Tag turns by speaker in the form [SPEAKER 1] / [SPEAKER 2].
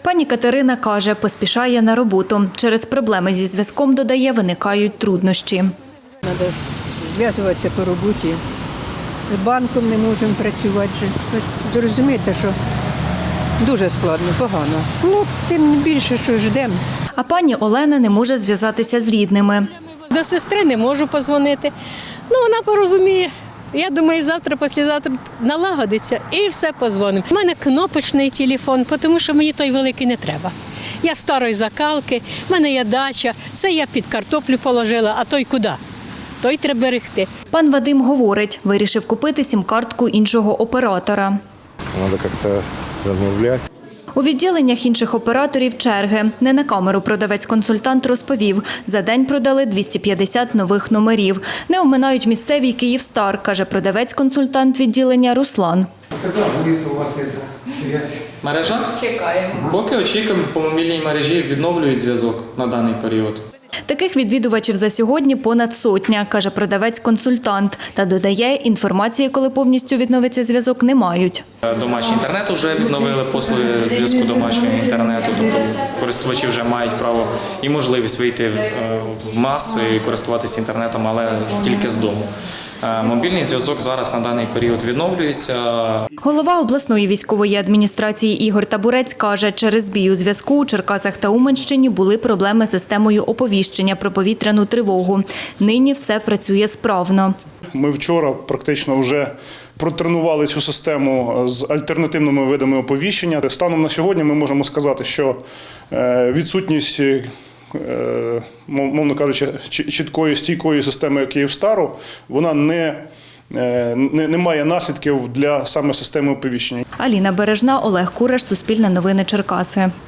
[SPEAKER 1] Пані Катерина каже, поспішає на роботу. Через проблеми зі зв'язком, додає, виникають труднощі.
[SPEAKER 2] Треба зв'язуватися по роботі. З банком не можемо працювати. Ви розумієте, що дуже складно, погано. Тим більше, що ждемо.
[SPEAKER 1] А пані Олена не може зв'язатися з рідними.
[SPEAKER 3] До сестри не можу подзвонити. Вона порозуміє. Я думаю, завтра, післязавтра налагодиться і все подзвонимо. У мене кнопочний телефон, тому що мені той великий не треба. Я старої закалки, в мене є дача, це я під картоплю положила, а той куди? Той треба берегти.
[SPEAKER 1] Пан Вадим говорить, вирішив купити сім-картку іншого оператора.
[SPEAKER 4] Треба як-то розмовляти.
[SPEAKER 1] У відділеннях інших операторів черги. Не на камеру продавець-консультант розповів, за день продали 250 нових номерів. Не оминають місцевий «Київстар», каже продавець-консультант відділення Руслан.
[SPEAKER 5] Коли буде у вас зв'язь? Мережа? Чекаємо. Поки очікуємо, по мобільній мережі відновлюють зв'язок на даний період.
[SPEAKER 1] Таких відвідувачів за сьогодні понад сотня, каже продавець-консультант. Та додає, інформації, коли повністю відновиться зв'язок, не мають.
[SPEAKER 5] Домашній інтернет вже відновили, послуги зв'язку домашнього інтернету. Тобто користувачі вже мають право і можливість вийти в маси і користуватися інтернетом, але тільки з дому. Мобільний зв'язок зараз на даний період відновлюється.
[SPEAKER 1] Голова обласної військової адміністрації Ігор Табурець каже, через збій у зв'язку у Черкасах та Уманщині були проблеми з системою оповіщення про повітряну тривогу. Нині все працює справно.
[SPEAKER 6] Ми вчора практично вже протренували цю систему з альтернативними видами оповіщення. Станом на сьогодні ми можемо сказати, що відсутність, мовно кажучи, чіткої, стійкої системи «Київстару», вона не має наслідків для саме системи оповіщення.
[SPEAKER 1] Аліна Бережна, Олег Кураш, Суспільне новини Черкаси.